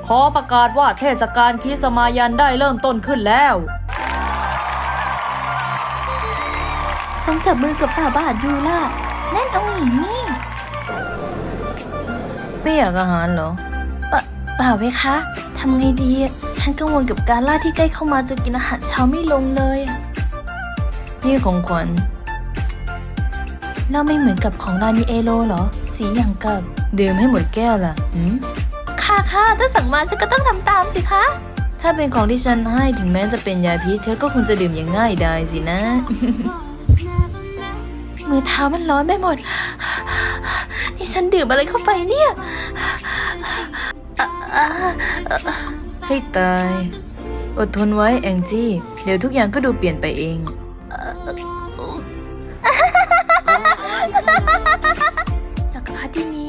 ขอประกาศว่าเทศกาลคริสต์มายันได้เริ่มต้นขึ้นแล้วต้องจับมือกับฝ่าบาทยูล่ะนั่นองค์หญิงนี่ไม่อยากอาหารเหรอเปล่าเว้ยคะทำไงดีฉันกังวลกับการล่าที่ใกล้เข้ามาจนกินอาหารเช้าไม่ลงเลยนี่ของขวัญเราไม่เหมือนกับของรานีเอโลเหรอสีอย่างกับดื่มให้หมดแก้วล่ะค่ะถ้าสั่งมาฉันก็ต้องทำตามสิคะถ้าเป็นของที่ฉันให้ถึงแม้จะเป็นยาพิษเธอก็คงจะดื่มอย่างง่ายดายสินะมือเท้ามันร้อนไปหมดนี่ฉันดื่มอะไรเข้าไปเนี่ยให้ตายอดทนไว้แองจี้เดี๋ยวทุกอย่างก็ดูเปลี่ยนไปเองจักรพรรดินี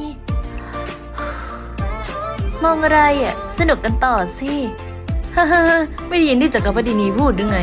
มองอะไรสนุกกันต่อสิไม่ได้ยินที่จักรพรรดินีพูดหรือไง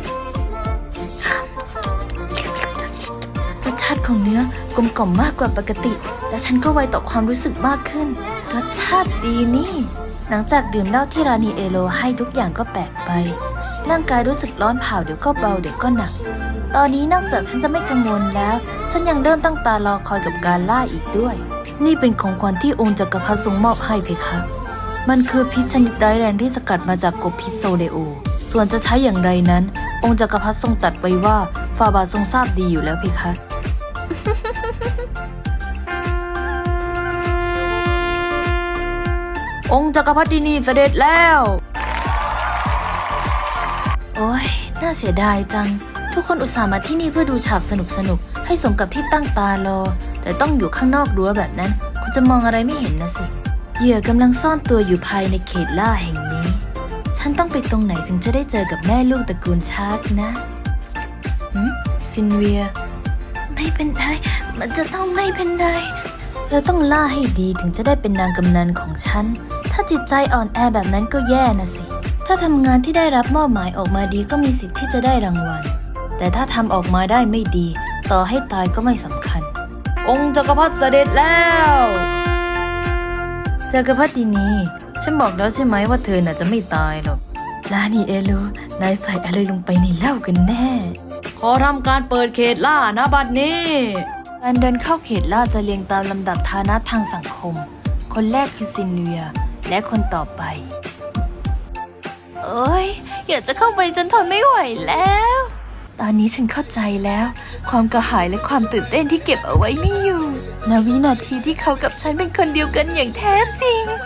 รสชาติของเนื้อกลมกล่อมมากกว่าปกติและฉันก็ไวต่อความรู้สึกมากขึ้นรสชาติดีนี่หลังจากดื่มเหล้าที่รานีเอโลให้ทุกอย่างก็แปลกไปร่างกายรู้สึกร้อนเผาเดี๋ยวก็เบาเดี๋ยวก็หนักตอนนี้นอกจากฉันจะไม่กังวลแล้วฉันยังเริ่มตั้งตารอคอยกับการล่าอีกด้วยนี่เป็นของขวัญที่องค์จักรพรรดิทรงมอบให้เพคะมันคือพิษชนิดร้ายแรงที่สกัดมาจากกบพิษโซเลโอส่วนจะใช้อย่างไรนั้นองค์จักรพรรดิทรงตรัสไว้ว่าฝ่าบาททรงทราบดีอยู่แล้วเพคะ องค์จักรพรรดินีเสด็จแล้วโอ้ยน่าเสียดายจังทุกคนอุตส่าห์มาที่นี่เพื่อดูฉากสนุกให้สมกับที่ตั้งตารอแต่ต้องอยู่ข้างนอกรั้วแบบนั้นคุณจะมองอะไรไม่เห็นนะสิเหยื่อกำลังซ่อนตัวอยู่ภายในเขตล่าแห่งนี้ฉันต้องไปตรงไหนถึงจะได้เจอกับแม่ลูกตระกูลชาร์กนะซินเวียไม่เป็นไรมันจะต้องไม่เป็นไรเธอต้องล่าให้ดีถึงจะได้เป็นนางกำนันของฉันถ้าจิตใจอ่อนแอแบบนั้นก็แย่นะสิถ้าทำงานที่ได้รับมอบหมายออกมาดีก็มีสิทธิ์ที่จะได้รางวัลแต่ถ้าทำออกมาได้ไม่ดีต่อให้ตายก็ไม่สำคัญองค์จักรพรรดิเสด็จแล้วจักรพรรดินีฉันบอกแล้วใช่ไหมว่าเธอน่ะจะไม่ตายหรอกรานีเอโลนายใส่อะไรลงไปในเหล้ากันแน่ขอทำการเปิดเขตล่านะบัดนี้การเดินเข้าเขตล่าจะเรียงตามลำดับฐานะทางสังคมคนแรกคือซินเวียและคนต่อไปโอ๊ยอยากจะเข้าไปจนทนไม่ไหวแล้วตอนนี้ฉันเข้าใจแล้วความกระหายและความตื่นเต้นที่เก็บเอาไว้ไม่อยู่ณวินาทีที่เขากับฉันเป็นคนเดียวกันอย่างแท้จริง